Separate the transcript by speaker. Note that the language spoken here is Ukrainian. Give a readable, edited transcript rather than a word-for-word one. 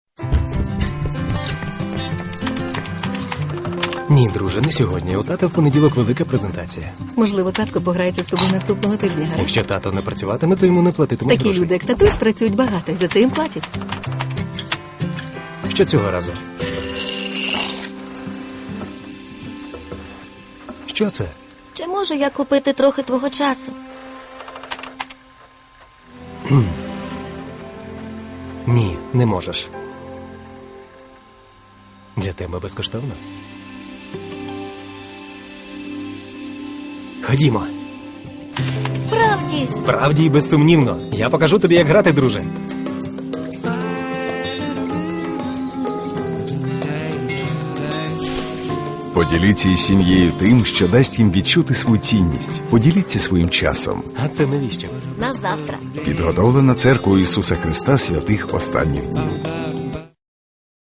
Speaker 1: Ні, друже, не сьогодні. У тата в понеділок велика презентація.
Speaker 2: Можливо, татко пограється з тобою наступного тижня, гаразд?
Speaker 1: Якщо тато не працюватиме, то йому не платитимуть
Speaker 2: Такі
Speaker 1: грошей.
Speaker 2: люди, як татусь, працюють багато, і за це їм платять.
Speaker 1: Що цього разу? Що це?
Speaker 3: Чи можу я купити трохи твого часу?
Speaker 1: Ні, не можеш. Для тебе безкоштовно. Ходімо.
Speaker 3: Справді.
Speaker 1: Справді і безсумнівно. Я покажу тобі, як грати, друже.
Speaker 4: Поділіться із сім'єю тим, що дасть їм відчути свою цінність. Поділіться своїм часом.
Speaker 1: А це навіщо?
Speaker 3: На завтра.
Speaker 4: Підготовлена церквою Ісуса Христа святих останніх днів.